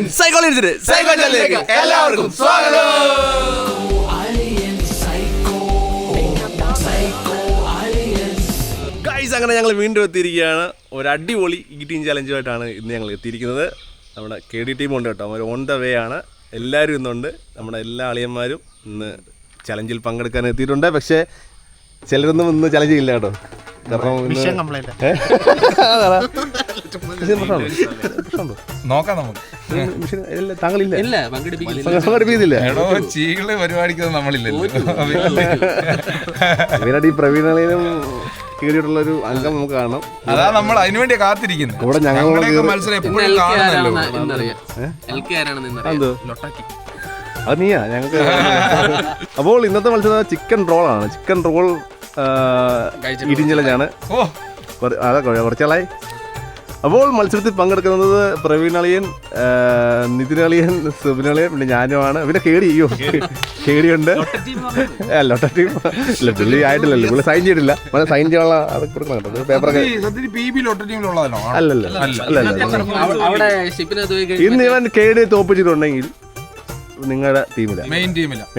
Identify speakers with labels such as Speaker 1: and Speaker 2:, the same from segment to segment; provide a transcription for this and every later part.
Speaker 1: സൈക്കോളജിലേക്ക് എല്ലാവർക്കും സ്വാഗതം. ഗൈസ്, അങ്ങനെ ഞങ്ങൾ വീണ്ടും എത്തിയിരിക്കുകയാണ്. ഒരു അടിപൊളി ഈറ്റിംഗ് ചലഞ്ചുമായിട്ടാണ് ഇന്ന് ഞങ്ങൾ എത്തിയിരിക്കുന്നത്. നമ്മുടെ KD ടീം ഉണ്ട് കേട്ടോ, അവർ ഓൺ ദ വേ ആണ്. എല്ലാവരും ഇന്നുണ്ട്. നമ്മുടെ എല്ലാ അളിയന്മാരും ഇന്ന് ചലഞ്ചിൽ പങ്കെടുക്കാൻ എത്തിയിട്ടുണ്ട്. പക്ഷേ ചിലരൊന്നും ഇന്ന് ചലഞ്ച് ചെയ്യില്ല കേട്ടോ. ഈ പ്രവീണയും കീറിയിട്ടുള്ള ഒരു അംഗം നമുക്ക് കാണണം.
Speaker 2: അതാ നമ്മൾ അതിനു വേണ്ടി കാത്തിരിക്കുന്നത്.
Speaker 1: ഇവിടെ ഞങ്ങൾ
Speaker 2: മത്സരം എപ്പോഴും കാണുന്നല്ലോ.
Speaker 1: അത് നീയാ ഞങ്ങൾക്ക്. അപ്പോൾ ഇന്നത്തെ മത്സരം ചിക്കൻ റോളാണ്. ചിക്കൻ റോൾ ഈറ്റിംഗ് ചലഞ്ചാണ്. അതെ, കുറച്ചാളായി. അപ്പോൾ മത്സരത്തിൽ പങ്കെടുക്കുന്നത് പ്രവീണളിയൻ, നിതിനളിയൻ, സുബിനളിയൻ, പിന്നെ ഞാനുമാണ്. പിന്നെ KD ഉണ്ട്. ലോട്ട ടീം ഇല്ല, പുള്ളി ആയിട്ടില്ലല്ലോ, പുള്ളി സൈൻ ചെയ്തിട്ടില്ല. സൈൻ ചെയ്യാനുള്ള അത് കൊടുക്കണം കേട്ടോ, പേപ്പറൊക്കെ. അല്ലല്ല, ഇന്ന് ഇവൻ KD തോപ്പിച്ചിട്ടുണ്ടെങ്കിൽ നിങ്ങളുടെ ടീമിലാണ്.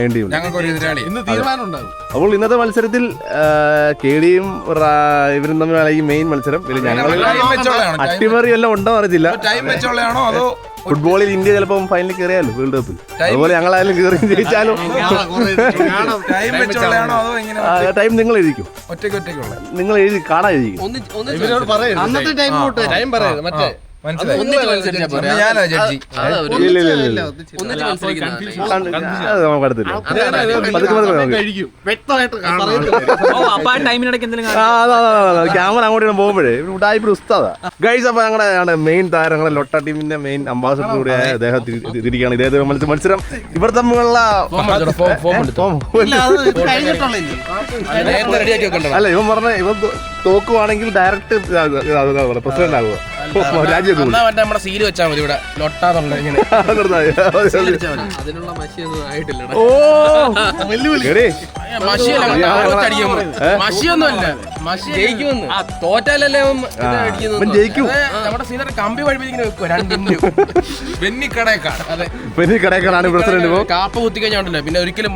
Speaker 1: അപ്പോൾ ഇന്നത്തെ മത്സരത്തിൽ KDയും ഇവരും തമ്മിലാണ് ഈ മെയിൻ മത്സരം. ഞങ്ങൾ അട്ടിമറി എല്ലാം ഉണ്ടോ അറിയത്തില്ല. ഫുട്ബോളിൽ ഇന്ത്യ ചിലപ്പോൾ ഫൈനലിൽ കയറിയാലോ വേൾഡ് കപ്പിൽ. അതുപോലെ ഞങ്ങളായാലും കയറി ജയിച്ചാലും ടൈം നിങ്ങൾ എഴുതിക്കും. നിങ്ങൾ എഴുതി കാണാൻ എഴുതിക്കും. ക്യാമറ അങ്ങോട്ട് പോകുമ്പോഴേ ഉടായിപ്പ് ഉസ്താദാ. ഗൈസ്, അപ്പൊ ഞങ്ങളുടെ മെയിൻ താരങ്ങളെ ലോട്ട ടീമിന്റെ മെയിൻ അംബാസഡർ കൂടിയായ അദ്ദേഹം തിരിക്കുകയാണ്. ഇതേ മത്സരം ഇവർ തമ്മിലുള്ള അല്ല, ഇവൻ പറഞ്ഞ ഇവൻ തോക്കുവാണെങ്കിൽ ഡയറക്റ്റ് പ്രസിഡന്റ് ആകുക.
Speaker 3: നമ്മുടെ സീല് വെച്ചാൽ മതി ഇവിടെ ലൊട്ടാന്നുള്ള ഇങ്ങനെ. അതിനുള്ള മഷിയൊന്നും ആയിട്ടില്ല. മഷിയൊന്നുമല്ല, മഷി ജയിക്കുമെന്ന്. തോറ്റാലല്ലേ
Speaker 1: ജയിക്കും.
Speaker 3: നമ്മുടെ സീനിയർ കമ്പി വഴിപ്പിങ്ങനെ വെക്കുക.
Speaker 1: ബെന്നിക്കടേക്കാണ് പ്രസിഡന്റ്.
Speaker 3: കാപ്പ കുത്തി കഴിഞ്ഞാണ്ടല്ലോ പിന്നെ ഒരിക്കലും.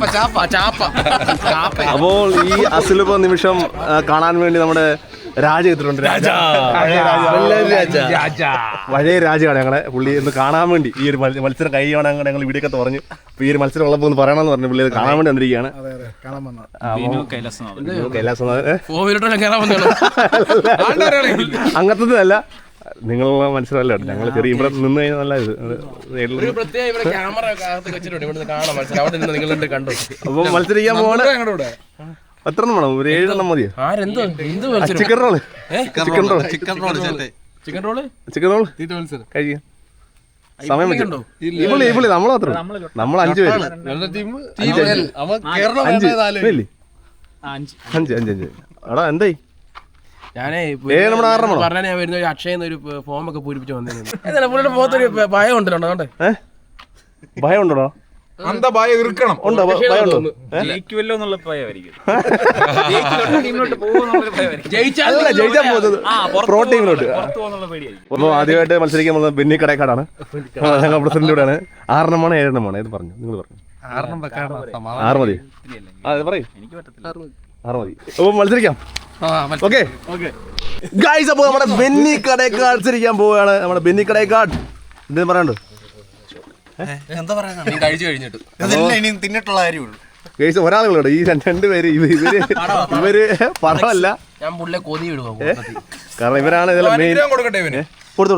Speaker 1: അപ്പോൾ ഈ അസുലഭ നിമിഷം കാണാൻ വേണ്ടി നമ്മുടെ രാജ എത്തിയിട്ടുണ്ട്. പഴയ രാജയാണ് ഞങ്ങളെ. പുള്ളി ഒന്ന് കാണാൻ വേണ്ടി ഈ ഒരു മത്സരം കഴിയുകയാണ് ഞങ്ങൾ വീഡിയോ പറഞ്ഞു. അപ്പൊ ഈ ഒരു മത്സരം ഉള്ളപ്പോൾ ഒന്ന് പറയണമെന്ന് പറഞ്ഞു. പുള്ളി അത് കാണാൻ വേണ്ടി വന്നിരിക്കുകയാണ്. അങ്ങനത്തതല്ല, നിങ്ങളുള്ള മത്സരമല്ല. ഞങ്ങൾ ചെറിയ ഇവിടെ നിന്ന് കഴിഞ്ഞാൽ നല്ല അപ്പൊ മത്സരിക്കാൻ പോവാണ്. എത്ര എണ്ണം വേണം? ഒരു 7 എണ്ണം മതിയോ? ചിക്കൻ റോള് കഴിയാം. സമയം ഇവിടെ നമ്മൾ മാത്രം, നമ്മൾ 5 പേര്. 5 എടാ എന്തായി?
Speaker 3: ഞാനേ പറഞ്ഞ ഞാൻ വരുന്ന അക്ഷയെന്ന് ഒരു ഫോം ഒക്കെ പൂരിപ്പിച്ച് വന്നേക്കുന്നത്. പുള്ളിയുടെ മുഖത്തൊരു ഭയം ഉണ്ടല്ലോ.
Speaker 1: ഭയം ഉണ്ടോ? ആദ്യമായിട്ട് മത്സരിക്കാൻ പോകുന്നത് ബെന്നിക്കടേക്കാടാണ്. ഞങ്ങൾ പ്രസിഡന്റിലൂടെയാണ്. 6 എണ്ണമാണ് 7 എണ്ണമാണ്? ഏത് പറഞ്ഞു? നിങ്ങൾ പറഞ്ഞു 6 മതി. അതെ പറയും. 6 മതി. അപ്പൊ മത്സരിക്കാം. ഓക്കെ ഗൈസ്, അപ്പൊ നമ്മുടെ ബെന്നിക്കടേക്കാട് മത്സരിക്കാൻ പോവുകയാണ്. നമ്മുടെ ബെന്നിക്കടേക്കാട് എന്തെങ്കിലും പറയാനുണ്ടോ? ഒരാളുകളുണ്ട്. ഈ 2 പേര് ഇവര് പടമല്ല. കാരണം ഇവരാണ് ഇതിലെ മെയിൻ. കൊടുത്തു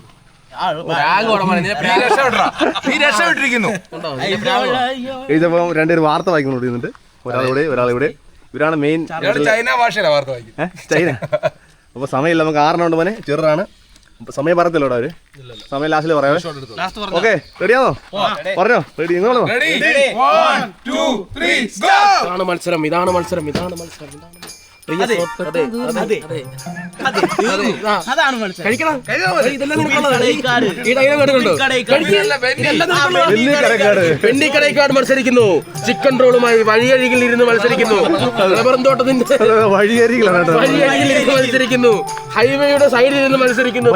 Speaker 1: ഇതിപ്പോ 2 പേര് വാർത്ത വായിക്കുന്നുണ്ട്. ഒരാളിവിടെ. ഇവരാണ് മെയിൻ. ചൈന. അപ്പൊ സമയമില്ല, നമുക്ക് 6 എണ്ണം ഉണ്ട്. മോനെ ചെറുതാണ്. സമയം പറയത്തില്ലോടാ അവര്. സമയം ലാസ്റ്റിൽ പറയാം. ഓക്കെ, റെഡിയാണോ? പറഞ്ഞോ. റെഡി? നിങ്ങളോ?
Speaker 3: ഇതാണ് മത്സരം.
Speaker 4: അതാണ് മത്സരം.
Speaker 3: കഴിക്കണം. ഇതെല്ലാം നിനക്കുള്ളതാണ്. വെണ്ണിക്കടൈക്കാട് മത്സരിക്കുന്നു. ചിക്കൻ റോളുമായി വഴിയരികിൽ ഇരുന്ന് മത്സരിക്കുന്നു. റബ്ബർ തോട്ടത്തിന്റെ വഴിയരികിൽ ഇരുന്ന് മത്സരിക്കുന്നു. ഹൈവേയുടെ സൈഡിൽ ഇരുന്ന് മത്സരിക്കുന്നു.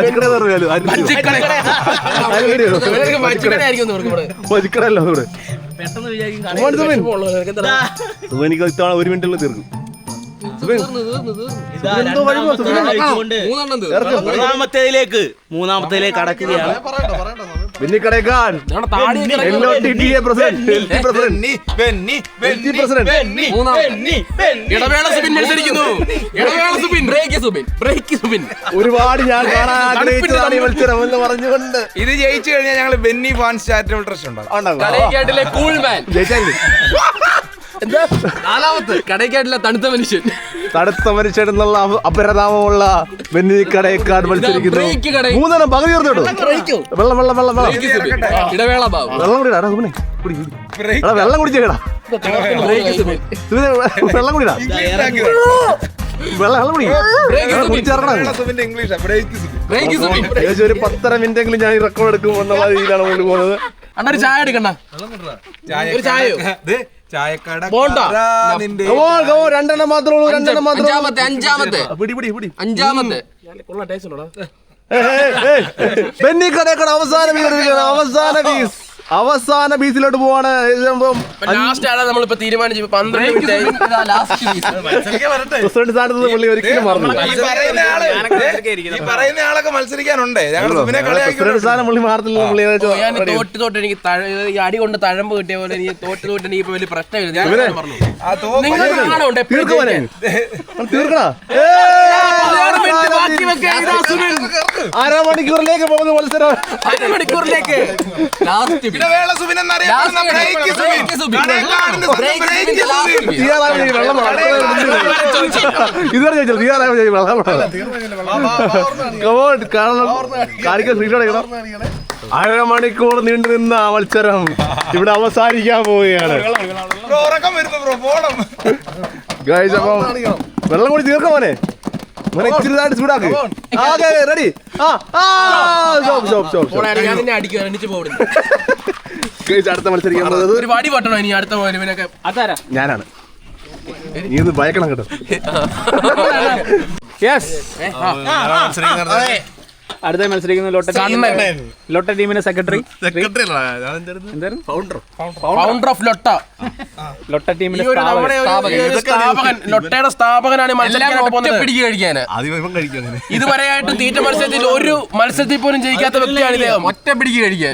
Speaker 4: പെട്ടെന്ന് വിചാരിക്കും
Speaker 1: എനിക്ക് ഇത്തവണ 1 മിനിറ്റുള്ള തീർക്കും.
Speaker 4: മൂന്നാമത്തേലേക്ക് കടക്കുകയാണ്.
Speaker 1: ഒരുപാട് ഞാൻ കാണാൻ ആഗ്രഹിച്ചതാണ് ഈ മത്സരം എന്ന് പറഞ്ഞുകൊണ്ട്
Speaker 2: ഇത് ജയിച്ചു കഴിഞ്ഞാൽ ഞങ്ങൾ ബെന്നി ഫാൻസ് ചാരിറ്റബിൾ ട്രസ്റ്റ് ഉണ്ടാകും.
Speaker 3: കടയ്ക്കാട്ടിലെ തണുത്ത മനുഷ്യൻ
Speaker 1: എന്നുള്ള അപരനാമമുള്ള വെന്നിക്കടൈക്കാട് മത്സരിക്കുന്നു. 3 പകുതി ചേർത്തോട്ടോ. വെള്ളം വെള്ളം വെള്ളം വെള്ളം
Speaker 3: ഇടവേള
Speaker 1: വെള്ളം കുടിടാ. വെള്ളം കുടിച്ചേടാ. വെള്ളം കുടിടാ. വെള്ളം കുടിച്ചേർക്കണം. ഏകദേശം ഒരു 10 മിനിറ്റെങ്കിലും ഞാൻ റെക്കോർഡ് എടുക്കും എന്നുള്ള രീതിയിലാണ് മുന്നോട്ട് പോകുന്നത്.
Speaker 3: അണ്ണൊരു ചായ എടുക്കണ്ട. ഒരു ചായയോ?
Speaker 1: രണ്ടെണ്ണം മാത്രമേ ഉള്ളൂ.
Speaker 3: അഞ്ചാമത്തെ
Speaker 1: ബെന്നിക്കടൈക്കാട് അവസാന ബീസിലോട്ട് പോവാണ്.
Speaker 3: ലാസ്റ്റ് ആണ് നമ്മളിപ്പോ തീരുമാനിച്ചു. 12
Speaker 1: പ്രസിഡന്റ് സ്ഥാനത്ത് പുള്ളി ഒരിക്കലും മറന്നു.
Speaker 2: പറയുന്ന ആളൊക്കെ മത്സരിക്കാനുണ്ട്.
Speaker 1: പ്രസിഡന്റ് സ്ഥാനം പുള്ളി മാറത്തില്ല.
Speaker 3: തോട്ട് എനിക്ക് അടി കൊണ്ട് തഴമ്പ് കിട്ടിയ പോലെ എനിക്ക് തോട്ട് എനിക്ക് വലിയ പ്രശ്നമില്ല.
Speaker 1: അരമണിക്കൂറിലേക്ക് പോകുന്ന മത്സരം.
Speaker 3: അരമണിക്കൂറിലേക്ക്
Speaker 1: ഇതുവരെ ചോദിച്ചത് അരമണിക്കൂർ നീണ്ടു നിന്ന മത്സരം ഇവിടെ അവസാനിക്കാൻ പോവുകയാണ്. അപ്പം വെള്ളം കൂടി തീർക്കാം മോനെ. ഇച്ചിരി ചൂടാക്ക്. റെഡി. അടുത്ത മത്സരിക്കാൻ ഞാനാണ്. നീ ഇത് ഭയക്കണം കേട്ടോ.
Speaker 5: അടുത്ത മത്സരിക്കുന്ന ലോട്ട ടീമിന്റെ സെക്രട്ടറി
Speaker 3: ഫൗണ്ടർ ഓഫ് ലോട്ട
Speaker 5: ടീമിന്റെ
Speaker 3: ലോട്ടയുടെ സ്ഥാപകനാണ്. പിടിക്കുക കഴിക്കാന് ഇതുവരെയായിട്ട് തീറ്റ മത്സരത്തിൽ ഒരു മത്സരത്തിൽ പോലും ജയിക്കാത്ത വ്യക്തിയാണ് ഇദ്ദേഹം. ഒറ്റ പിടിക്കുക കഴിക്കാൻ.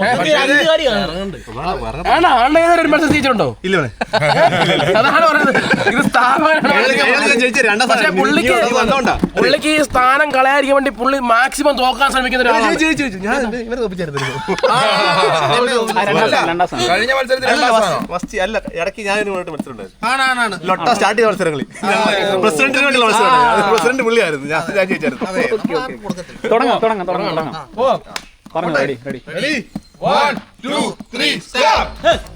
Speaker 3: ഒരു മത്സരം ജയിച്ചിട്ടുണ്ടോ? അതാണ് പറയുന്നത്. ഇത് സ്ഥാപകനാണ്. പക്ഷെ പുള്ളിക്ക് ഈ സ്ഥാനം കളയാതിരിക്കാൻ വേണ്ടി പുള്ളി മാക്സിമം തോക്കാൻ ശ്രമിക്കുന്ന
Speaker 2: കഴിഞ്ഞ മത്സരത്തിൽ
Speaker 1: അല്ല ഇടയ്ക്ക് ഞാൻ ലോട്ട സ്റ്റാർട്ട് ചെയ്ത മത്സരങ്ങളിൽ പ്രസിഡന്റിന് വേണ്ടിയുള്ള മത്സരമാണ്. പ്രസിഡന്റ് പുള്ളിയായിരുന്നു. ഞാൻ ജയിച്ചായിരുന്നു.
Speaker 5: തുടങ്ങാം പറഞ്ഞു. Ready
Speaker 2: 1 2 3 start.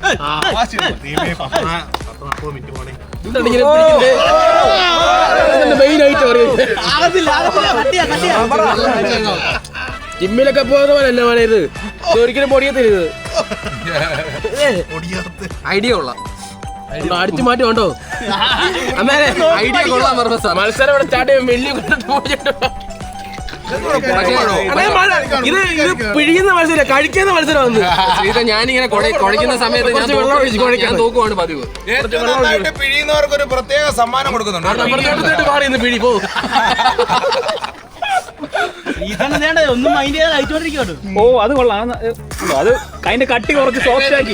Speaker 3: ജിമ്മിലൊക്കെ പോകുന്ന പോലെയല്ല മോനെ ഇത്. ഒരിക്കലും പൊടിയത്തില്ല. ഐഡിയ കൊള്ളാം. അടിച്ചു മാറ്റി കൊണ്ടോ. ഐഡിയ കൊള്ളാം. മത്സരം ഇവിടെ സ്റ്റാർട്ട് ചെയ്യുമ്പോൾ വലിയ ഇത് പിഴിയുന്ന മത്സരം, കഴിക്കുന്ന മത്സരം വന്നു. ഇത് ഞാനിങ്ങനെ കുഴയ്ക്കുന്ന സമയത്ത് ഞാൻ തൂക്കുവാണ് പതിവ്.
Speaker 2: പിഴിയുന്നവർക്ക് ഒരു പ്രത്യേക സമ്മാനം കൊടുക്കുന്നുണ്ട്.
Speaker 3: മാറി പിഴി പോ.
Speaker 4: ഒന്നും മൈൻഡ് ചെയ്യാതെ കഴിച്ചോണ്ടിരിക്കട്ടോ.
Speaker 5: ഓ അത് കൊള്ളാം. അത് അതിന്റെ കട്ടി കുറച്ച് സോഫ്റ്റ് ആക്കി.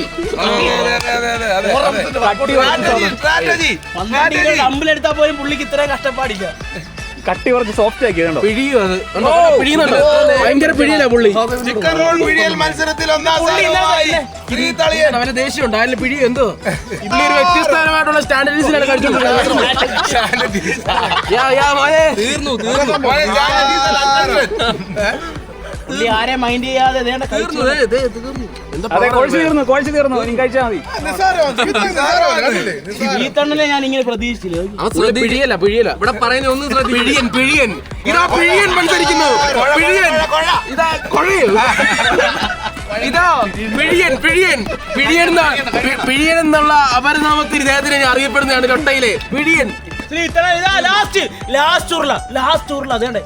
Speaker 4: കമ്പിലെടുത്താൽ പോലും പുള്ളിക്ക് ഇത്രയും കഷ്ടപ്പാടില്ല.
Speaker 5: കട്ടി കുറച്ച് സോഫ്റ്റ് ആക്കി.
Speaker 3: പിഴിയോ അത് പിഴിയുന്നുണ്ട്. ഭയങ്കര പിഴിയില്ല പുള്ളി.
Speaker 2: ചിക്കൻ റോൾ പിഴിയൽ മത്സരത്തിൽ
Speaker 3: അവന്റെ ദേഷ്യമുണ്ട്. അതിൽ പിഴി എന്തോ പുള്ളി ഒരു വ്യത്യസ്തമായിട്ടുള്ള സ്റ്റാൻഡേർഡ്സിലാണ് കഴിച്ചോണ്ടിരുന്നത്.
Speaker 4: പുള്ളി ആരെ മൈൻഡ് ചെയ്യാതെ ദേണ്ട കഴിച്ചു.
Speaker 5: അതെ കോഴ്സ് തീർന്നു ഇനി കഴിച്ചാൽ മതി.
Speaker 4: ഈ തണ്ണലെ ഞാൻ ഇങ്ങനെ പ്രതീക്ഷിച്ചില്ല.
Speaker 3: പിഴിയല്ല ഇവിടെ പറയുന്ന ഒന്നും പിഴിയൻ ഇതാ പിഴിയൻ മത്സരിക്കുന്നു. ഇതാ കൊഴയോ ഇതാ പിഴിയൻ എന്നുള്ള അപരനാമത്തിൽ ഇദ്ദേഹത്തിന് അറിയപ്പെടുന്നതാണ് ലൊട്ടയിലെ പിഴിയൻ.
Speaker 4: ലാസ്റ്റ് ഉരുള അതേണ്ടേ.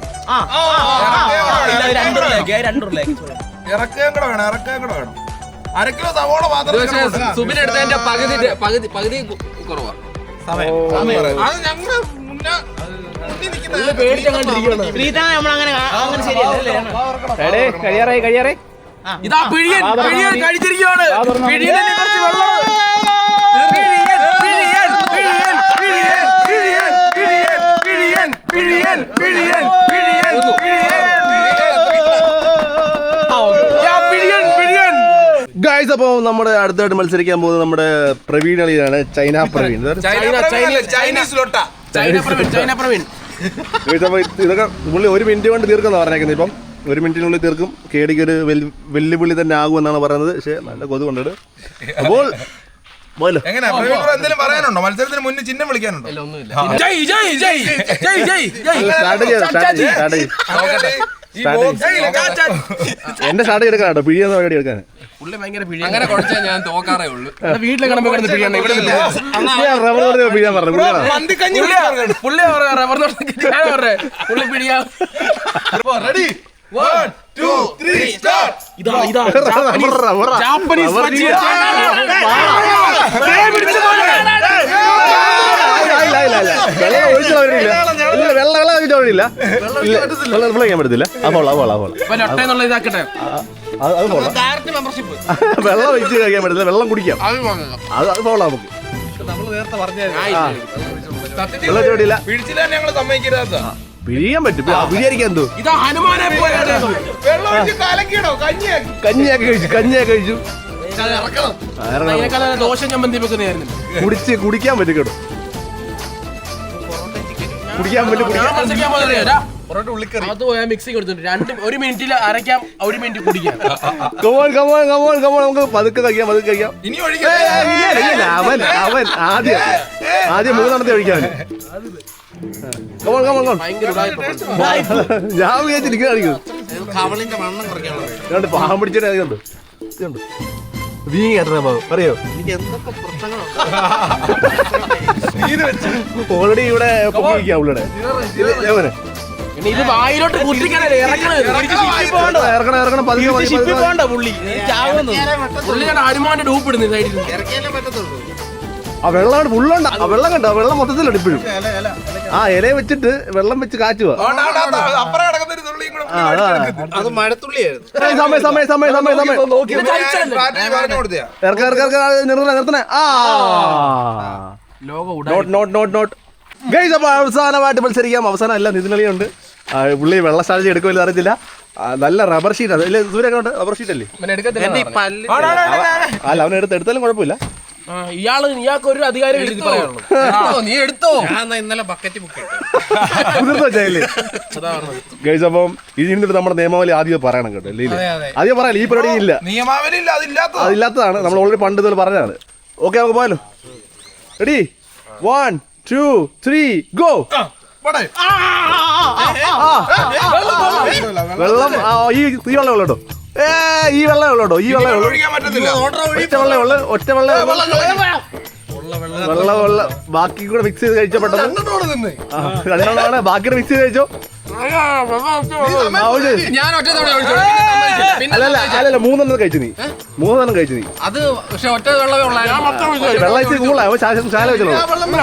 Speaker 4: രണ്ടുരുളേക്ക്
Speaker 2: ഇറക്കുകയും കൂടെ വേണം. 1 കിലോ സവോള മാത്രം
Speaker 3: സുബിനെടുത്തതിന്റെ പകുതി കുറവാ.
Speaker 2: അത് ഞങ്ങള് മുന്നേ
Speaker 4: നമ്മളങ്ങനെ ശരിയല്ലേ.
Speaker 5: കഴിയാറായി
Speaker 3: ഇതാ പിഴിയൻ കഴിച്ചിരിക്കുകയാണ്. പിഴിയനെ കുറച്ച് വെള്ളം.
Speaker 1: ഗൈസ്, അപ്പോൾ നമ്മുടെ അടുത്തായിട്ട് മത്സരിക്കാൻ പോകുന്നത് നമ്മുടെ പ്രവീൺ അളിയാണ്. ചൈന പ്രവീൺ.
Speaker 2: ചൈനീസ് ലോട്ട.
Speaker 3: ചൈന പ്രവീൺ.
Speaker 1: ഇതൊക്കെ പുള്ളി 1 മിനിറ്റ് കൊണ്ട് തീർക്കുന്ന പറഞ്ഞേക്കുന്നത്. ഇപ്പം 1 മിനിറ്റിനുള്ളിൽ തീർക്കും. കേടിക്ക് ഒരു വെല്ലുവിളി തന്നെ ആകുമെന്നാണ് പറയുന്നത്. പക്ഷേ നല്ല കൊതു കൊണ്ടിട്ട് അപ്പോൾ
Speaker 2: എങ്ങനെയാ എന്തെങ്കിലും പറയാനുണ്ടോ? മത്സരത്തിന് മുന്നേ ചിഹ്നം വിളിക്കാനുണ്ടോ?
Speaker 1: എന്റെ സ്റ്റാർട്ട് എടുക്കാൻ കേട്ടോ, പിഴിയെന്ന പരിപാടി എടുക്കാൻ.
Speaker 3: അങ്ങനെ കുറച്ചേ ഞാൻ തോക്കാറേ ഉള്ളൂ. വീട്ടിലെ കിടമ്പോ പിഴിയാൻ
Speaker 1: പറഞ്ഞു
Speaker 3: പുള്ളി പിഴിയാ.
Speaker 1: വെള്ളം പറ്റത്തില്ല. വെള്ളം വെച്ച് കഴിക്കാൻ പറ്റില്ല, വെള്ളം കുടിക്കാം. അത് പോളാ നമുക്ക്.
Speaker 2: ഞങ്ങള് സമ്മതിക്കരുത്.
Speaker 1: പിഴിയാൻ പറ്റും. പിഴിയായിരിക്കാൻ എന്തോ കഞ്ഞിയാക്കി കഴിച്ചു.
Speaker 3: ദോശ ചമ്മന്തി വെക്കുന്നതായിരുന്നു.
Speaker 1: കുടിക്കാൻ പറ്റും കേട്ടോ. കുടിക്കാൻ പറ്റും.
Speaker 3: അത് പോയാൽ മിക്സിങ് കൊടുത്തിട്ടുണ്ട്. 1 മിനിറ്റിൽ അരയ്ക്കാം, 1 മിനിറ്റ് കുടിക്കാം.
Speaker 1: നമുക്ക് പതുക്കെ കഴിക്കാം.
Speaker 2: ഇനി
Speaker 1: അവൻ ആദ്യം 3 കഴിക്കാൻ. ഞാൻ വിചാരിച്ചിരിക്കുന്നു പാവം പിടിച്ചിട്ട് നീ കേട്ടോ പറയോ. ഓൾറെഡി ഇവിടെ പുള്ളിയുടെ
Speaker 3: ഇത് വായിലോട്ട്
Speaker 1: ഇറക്കണം.
Speaker 3: പുള്ളിയുടെ ഹനുമാന്റെ ഡൂപ്പ് ഇടുന്നു.
Speaker 1: ആ വെള്ളം ഫുള്ളുണ്ട്. ആ വെള്ളം കണ്ടോ? വെള്ളം മൊത്തത്തിലുണ്ട് ഇപ്പോഴും. ആ ഇല വെച്ചിട്ട് വെള്ളം വെച്ച് കാച്ചുക.
Speaker 2: അത് മഴത്തുള്ളിയായിരുന്നു.
Speaker 1: നിർത്തണേ. ഗൈസ്, അപ്പോൾ അവസാനമായിട്ട് മത്സരിക്കാം. അവസാനം അല്ല, നിതിനളിയുണ്ട്. പുള്ളി വെള്ള സ്ട്രാറ്റജി എടുക്കുമല്ലോ അറിയത്തില്ല. നല്ല റബ്ബർ ഷീറ്റ് അത് അല്ലേ സൂര്യ? റബ്ബർ ഷീറ്റ് അല്ലേ? അല്ല, അവൻ എടുത്താലും കുഴപ്പമില്ല.
Speaker 3: ഇയാൾക്ക് ഒരു അധികാരം നീ എടുത്തോ.
Speaker 4: ഇന്നലെ ബക്കറ്റ് ബുക്ക്
Speaker 1: ഗൈസ്, അപ്പം ഇതിന്റെ നമ്മുടെ നിയമാവലി ആദ്യം പറയണം കേട്ടോ. ആദ്യം പറയാം. ഈ പരിപാടി ഇല്ല,
Speaker 2: നിയമാവലി
Speaker 1: അതില്ലാത്തതാണ്. നമ്മൾ ഓൾറെഡി പണ്ട് ഇതുപോലെ പറഞ്ഞതാണ്. ഓക്കെ, നമുക്ക് പോയാലോ. റെഡി? 1 2 3 ഗോ. വെള്ളം ഈ വെള്ളം കേട്ടോ. ഈ വെള്ളം ഉള്ളോ? ഈ വെള്ളം ഒറ്റ വെള്ളം ബാക്കി കൂടെ മിക്സ് ചെയ്ത് കഴിച്ചോ. പെട്ടെന്ന് 2 ബാക്കി മിക്സ് ചെയ്ത് കഴിച്ചോ. അല്ലല്ല 3 കഴിച്ചു നീ. 3 കഴിച്ചു നീ.
Speaker 3: അത് പക്ഷെ ഒറ്റ വെള്ളം
Speaker 1: ശാല വെച്ചോ.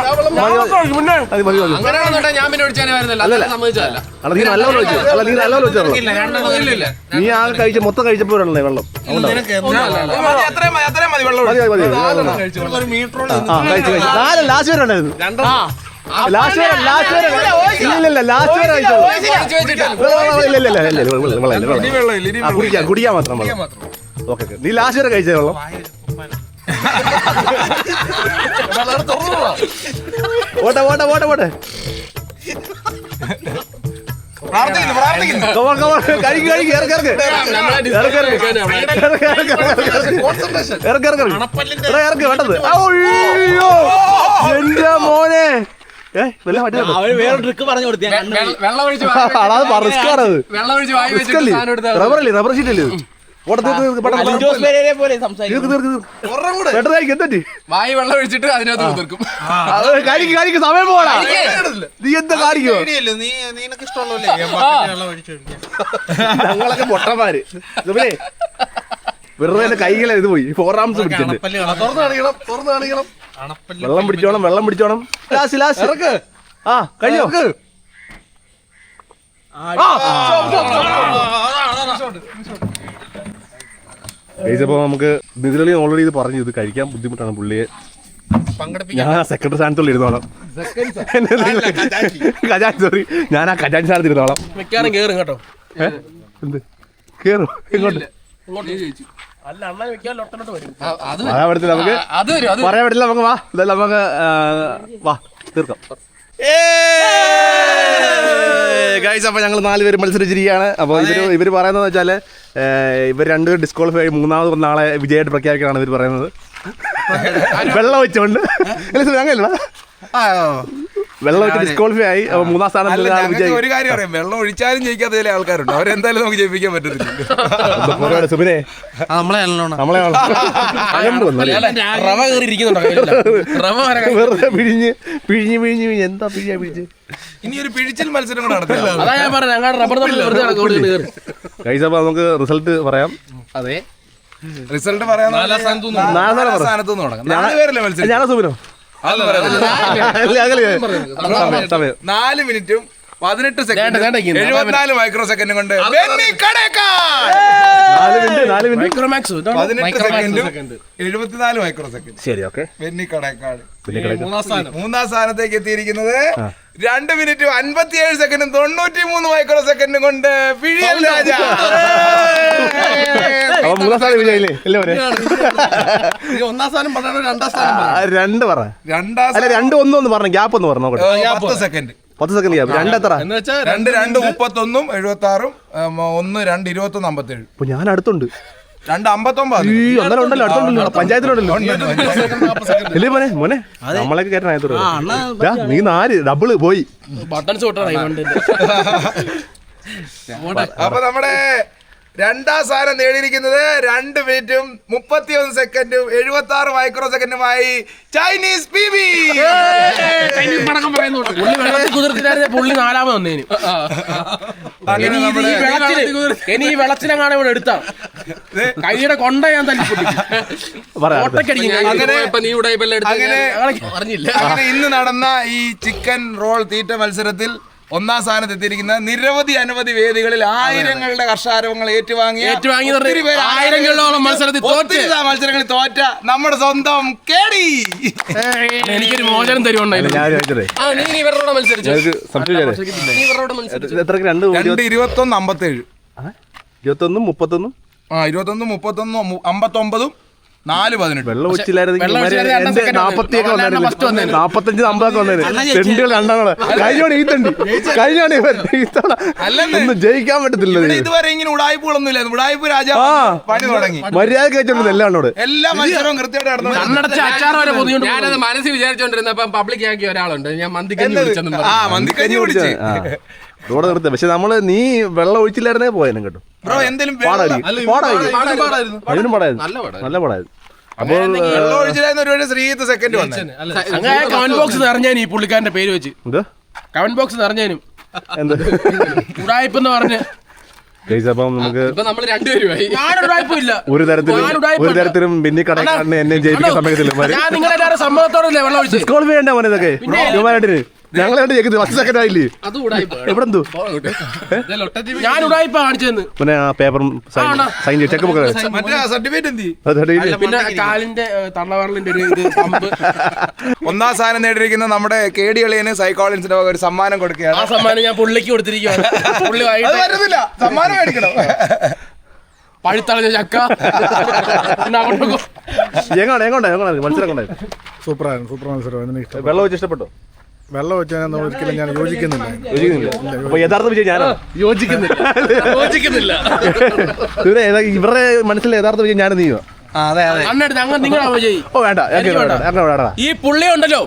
Speaker 3: ഞാൻ പിന്നെ ഒഴിച്ചാൽ
Speaker 1: നീ നല്ലപോലെ വെച്ചു. അല്ല, നീ നല്ലപോലെ വെച്ചോ. നീ ആകെ കഴിച്ച മൊത്തം കഴിച്ചപ്പോഴല്ലേ വെള്ളം. ലാസ്റ്റ് വരെ ഉണ്ടായിരുന്നു. ലാസ്റ്റ് വരെ കുടിക്കാൻ മാത്രം. ഓക്കെ, നീ ലാസ്റ്റ് വരെ കഴിച്ച വെള്ളം. ഓട്ടെ
Speaker 2: പ്രാർത്ഥിക്കുന്നു
Speaker 1: Come on, come on. കഴിക്ക്, കഴിക്ക്. ഇറക്ക്, ഇറക്ക്. ഇറക്ക്, ഇറക്ക്. ഇറക്ക്, ഇറക്ക്. എടാ, ഇറക്ക്, വേണ്ടത്. അയ്യോ, എന്റെ മോനെ. വല്ല പറ്റുന്നുണ്ടോ?
Speaker 4: അവര് വേറെ ട്രിക്ക് പറഞ്ഞു കൊടുത്തു
Speaker 5: വെള്ളം ഒഴിച്ച്
Speaker 1: റിസ്ക് ആണത്.
Speaker 5: വെള്ളം ഒഴിച്ച് വായി
Speaker 1: റിസ്ക് അല്ലേ? റബ്ബർ അല്ലേ? റബ്ബർ ഷീറ്റ് അല്ലേ?
Speaker 4: പോലെ സംസാരിക്കും
Speaker 5: വായി വെള്ളം ഒഴിച്ചിട്ട് അതിനകത്ത് കുതിർക്കും.
Speaker 1: കാണിക്ക് സമയം പോടാ. നീ എന്താ കാണിക്കോ?
Speaker 2: നിനക്ക് ഇഷ്ടമുള്ളല്ലേ
Speaker 1: ഞങ്ങളൊക്കെ പൊട്ടന്മാര്. പിന്നെ വെറുതെ എന്റെ കൈകളെ ഇത് പോയി 4 ആംസ് പിടിച്ചിട്ടുണ്ട്. വെള്ളം പിടിച്ചോണം, വെള്ളം പിടിച്ചോണം. ലാസ്റ്റ് ആ കഴിഞ്ഞോ? കഴിച്ചപ്പോ നമുക്ക് നിതിലി ഓൾറെഡി ഇത് പറഞ്ഞു, ഇത് കഴിക്കാൻ ബുദ്ധിമുട്ടാണ് പുള്ളിയെ. ഞാൻ ആ സെക്രട്ടറി സ്ഥാനത്തുള്ള ഇരുന്നോളാം. ഖജാൻജി, സോറി, ഞാൻ ആ ഖജാൻജി സ്ഥാനത്ത് ഇരുന്നോളാം.
Speaker 3: മിക്കാറും കേറും കേട്ടോ.
Speaker 1: എന്ത് കേറും? ഇങ്ങോട്ട്
Speaker 3: അല്ല അണ്ണൻ മിക്കാറും ഒട്ടനോട്ട് വരും.
Speaker 1: പറയാൻ പറ്റില്ല, നമുക്ക് പറയാൻ പറ്റില്ല. നമുക്ക് വാ, ഇതല്ല നമുക്ക് വാ തീർക്കാം. ഗൈസ്, അപ്പോൾ ഞങ്ങൾ 4 പേര് മത്സരിച്ചിരിക്കുകയാണ്. അപ്പോൾ ഇവർ പറയുന്നത് വെച്ചാൽ ഇവർ 2 പേര് ഡിസ്ക്വാളിഫൈ ആയി, 3ാമത് നാളെ വിജയമായിട്ട് പ്രഖ്യാപിക്കാനാണ് ഇവർ പറയുന്നത്. വെള്ളം വെച്ചോണ്ട് അങ്ങനെയല്ല, വെള്ളം വെച്ച് ഡിസ്ക്വാളിഫൈ ആയി. 3ാം സ്ഥാനം
Speaker 2: ഒരു കാര്യം അറിയാം, വെള്ളം ഒഴിച്ചാലും ജയിക്കാത്ത ചില ആൾക്കാരുണ്ട്. അവരെന്തായാലും നമുക്ക് ജയിപ്പിക്കാൻ പറ്റത്തില്ല.
Speaker 1: സുബിനെ
Speaker 3: നമ്മളെ
Speaker 1: റവ വെറുതെ പിഴിഞ്ഞ് പിഴിഞ്ഞ് പിഴിഞ്ഞ് പിഴിഞ്ഞ് എന്താ പിഴിഞ്ഞ്
Speaker 2: ഇനി ഒരു പിഴിച്ചിൽ മത്സരം കൂടെ നടത്തില്ല.
Speaker 3: അതാ ഞാൻ പറഞ്ഞ റബ്ബർ
Speaker 1: ഗൈസ്, അപ്പോൾ നമുക്ക് റിസൾട്ട് പറയാം.
Speaker 3: അതെ,
Speaker 2: റിസൾട്ട് പറയാൻ 4 സ്ഥാനത്ത് നിന്ന് തുടങ്ങാം. 4 പേരല്ലേ മത്സരം?
Speaker 1: ഞാനാ സുബിനോ?
Speaker 2: 4 മിനിറ്റും 18 സെക്കൻഡ് 74 മൈക്രോ സെക്കൻഡും കൊണ്ട്
Speaker 1: 4 മിനിറ്റ്
Speaker 3: മൈക്രോമാക്സ്
Speaker 2: 18 സെക്കൻഡും 74 മൈക്രോ സെക്കൻഡ്.
Speaker 1: ശരി, ഓക്കെ.
Speaker 2: ബെന്നി കടേക്കാട് 3ാം സ്ഥാനത്തേക്ക് എത്തിയിരിക്കുന്നത് 2 മിനിറ്റും 57 സെക്കൻഡും 93 മൈക്രോ സെക്കൻഡും കൊണ്ട് പിഴിയൽ രാജ.
Speaker 1: അപ്പൊ 3ാം സ്ഥാനം വിജയില്ലേ? അല്ലേ?
Speaker 3: 1ാം സ്ഥാനം പറഞ്ഞോ, 2ാം സ്ഥാനം
Speaker 1: 2 പറ. അല്ല 2 1 പറഞ്ഞു, ഗ്യാപ്പ് ഒന്ന് പറഞ്ഞു നോക്കട്ടെ.
Speaker 2: 10 സെക്കൻഡ്
Speaker 1: 10 സെക്കൻഡ് ഗ്യാപ്പ്. 2 എത്ര?
Speaker 2: 2 2 31 76 1 2 21 57.
Speaker 1: അപ്പൊ ഞാൻ അടുത്തുണ്ട്.
Speaker 2: 2 59.
Speaker 1: ഒന്നര ഉണ്ടല്ലോ, അടുത്തുണ്ടല്ലോ, പഞ്ചായത്തിലുണ്ടല്ലോ. ഇല്ലേ മോനെ? മോനെ നമ്മളൊക്കെ കയറ്റാനായത് നീ 4 ഡബിള് പോയി.
Speaker 3: ബട്ടൺസ് വിട്ടാണ്.
Speaker 2: അപ്പൊ നമ്മുടെ 2ാം സ്ഥാനം നേടിയിരിക്കുന്നത് 2 മിനിറ്റും 31 സെക്കൻഡും 76 മൈക്രോ സെക്കൻഡുമായി ചൈനീസ് PB.
Speaker 3: പുള്ളി വെള്ളത്തിൽ കുതിർത്തിട്ടായിരുന്നു പുള്ളി 4ാമത് വന്നേന്. ഇനി ഈ വെള്ളത്തിനെങ്ങാണ് ഇവിടെ എടുത്താ കൈയുടെ കൊണ്ട ഞാൻ
Speaker 2: അറിഞ്ഞില്ല. അങ്ങനെ ഇന്ന് നടന്ന ഈ ചിക്കൻ റോൾ തീറ്റ മത്സരത്തിൽ 1ാം സ്ഥാനത്ത് എത്തിയിരിക്കുന്ന നിരവധി അനവധി വേദികളിൽ ആയിരങ്ങളുടെ കർഷാരവങ്ങൾ ഏറ്റുവാങ്ങി
Speaker 3: ആയിരങ്ങളോളം
Speaker 2: മത്സരങ്ങളിൽ തോറ്റ നമ്മുടെ സ്വന്തം കേടി
Speaker 3: എനിക്കൊരു മോചനം തരുവുണ്ടായിരുന്നു.
Speaker 2: 21 57
Speaker 1: 21 31
Speaker 2: 21 31 59 4 18.
Speaker 1: വെള്ളം ഒഴിച്ചില്ലായിരുന്നു 45 50 സെന്റുകൾ രണ്ടാണ് കഴിഞ്ഞോണ്. ഈ തണ്ടി കഴിഞ്ഞാണ് ഒന്നും ജയിക്കാൻ പറ്റത്തില്ല.
Speaker 2: ഇതുവരെ ഇങ്ങനെ ഉടായ്പകളൊന്നും ഇല്ലായിരുന്നു. ഉടായ്പ രാജാവ് പണി തുടങ്ങി.
Speaker 1: മര്യാദ കഴിച്ചോണ്ട് എല്ലാണോട്
Speaker 2: എല്ലാ മത്സരവും കൃത്യമായിട്ട്
Speaker 5: ഞാനത് മനസ്സിൽ വിചാരിച്ചോണ്ടിരുന്നപ്പോ പബ്ലിക് ആക്കിയ ഒരാളുണ്ട്. ഞാൻ മന്തിക്കഞ്ഞി
Speaker 2: മന്തിക്കഞ്ഞി കുടിച്ച്
Speaker 1: റോഡ് നിർത്തി. പക്ഷെ നമ്മള് നീ വെള്ളം ഒഴിച്ചില്ലായിരുന്നേ പോയാലും കേട്ടോ.
Speaker 2: ബ്രോ എന്തെങ്കിലും
Speaker 1: അതിനും പാടായിരുന്നു, നല്ല പാടായിരുന്നു. അപ്പൊ
Speaker 2: വെള്ളം ഒഴിച്ചില്ലായിരുന്നു. ഒരു ശ്രീത്ത് സെക്കൻഡ് വന്നു.
Speaker 3: കമന്റ് ബോക്സ് നിറഞ്ഞാനും ഈ പുള്ളിക്കാരന്റെ പേര് വെച്ച് കമന്റ് ബോക്സ് നിറഞ്ഞാനും
Speaker 1: എന്താ
Speaker 3: ഉടായ്പെന്ന് പറഞ്ഞ്.
Speaker 1: അപ്പം നമുക്ക് ഒരു തരത്തിലും ബെന്നി കടേക്കാടിനെ എന്നെ ജയിപ്പിക്കാൻ സമയത്തില്ല.
Speaker 3: സമ്മതത്തോടല്ലേ വെള്ളം ഒഴിച്ച്
Speaker 1: ഡിസ്ക്വാളിഫൈ ചെയ്യണ്ട മോനെ ഇതൊക്കെ ഹ്യൂമാനായിട്ടിന്. ഞങ്ങളായിട്ട് ജയിക്കുന്നത് 10 സെക്കൻഡ് ആയില്ലേ? എവിടെന്തോ
Speaker 3: ഞാൻ ഉടായ്പ കാണിച്ചെന്ന്
Speaker 1: പിന്നെ ആ പേപ്പറും സൈൻ ചെക്ക് ബുക്ക്
Speaker 3: പിന്നെ കാലിന്റെ തള്ളവരലിന്റെ ഒരു ഇത് പമ്പ്.
Speaker 2: 1ാം സ്ഥാനം നേടിയിരിക്കുന്ന നമ്മുടെ കേടി കളിയന് സൈക്കോളജിന്റെ ഒരു സമ്മാനം കൊടുക്കുകയാണ്.
Speaker 3: ആ സമ്മാനം ഞാൻ പുള്ളിക്ക് കൊടുത്തിരിക്കുകയാണ്. പുള്ളി
Speaker 2: വരുന്നില്ല, സമ്മാനം മേടിക്കണം.
Speaker 3: പഴുത്തളഞ്ഞ ചക്ക
Speaker 1: എങ്ങോട്ടെ മത്സരം കൊണ്ടായിരുന്നു.
Speaker 6: സൂപ്പർ മത്സരം.
Speaker 1: വെള്ളം വെച്ച് ഇഷ്ടപ്പെട്ടോ?
Speaker 6: വെള്ളം വെച്ചാൽ ഒരിക്കലും ഞാൻ യോജിക്കുന്നില്ല.
Speaker 1: അപ്പൊ യഥാർത്ഥ വിജയം ഞാനാണ്.
Speaker 3: യോജിക്കുന്നില്ല.
Speaker 1: ഇവരുടെ മനസ്സിൽ യഥാർത്ഥ വിജയം ഞാൻ നീയോ?
Speaker 3: അന്നെടുത്ത് അങ്ങനെ നിങ്ങളാ വിജയ്.
Speaker 1: ഓ വേണ്ട,
Speaker 3: ഈ പുള്ളി ഉണ്ടല്ലോ,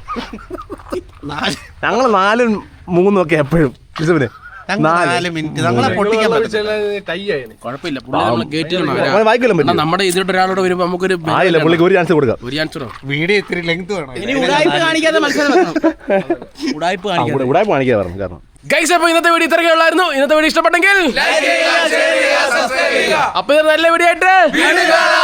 Speaker 1: ഞങ്ങള് 4-3 ഒക്കെ എപ്പോഴും ലിസുവിന് 4
Speaker 7: മിനിറ്റ് നമ്മളെ പൊട്ടിക്കാൻ
Speaker 3: കുഴപ്പമില്ല. പുള്ളി നമ്മൾ കേട്ടിട്ടുണ്ട്.
Speaker 1: വായിക്കലും പറ്റും.
Speaker 3: നമ്മുടെ ഇതിലോട്ട് ഒരാളോട് വരുമ്പോ നമുക്കൊരു
Speaker 1: ആയില്ല, പുള്ളിക്ക് ഒരു ചാൻസ് കൊടുക്കാം.
Speaker 3: ഒരു ചാൻസ്
Speaker 7: വീഡിയോ ഇത്തിരി ലെങ്ത് വേണം.
Speaker 4: ഇനി ഉടായ്പ കാണിക്കാതെ മത്സരം വെക്കണം. ഉടായ്പ കാണിക്കാതെ.
Speaker 1: ഇവിടെ കാണിക്കാൻ പറഞ്ഞു. കാരണം
Speaker 3: ഗൈസ്, അപ്പൊ ഇന്നത്തെ വീഡിയോ ഇത്രയൊക്കെ ഉള്ളായിരുന്നു. ഇന്നത്തെ വീഡിയോ ഇഷ്ടപ്പെട്ടെങ്കിൽ അപ്പൊ ഇത് നല്ല വീഡിയോ ആയിട്ട്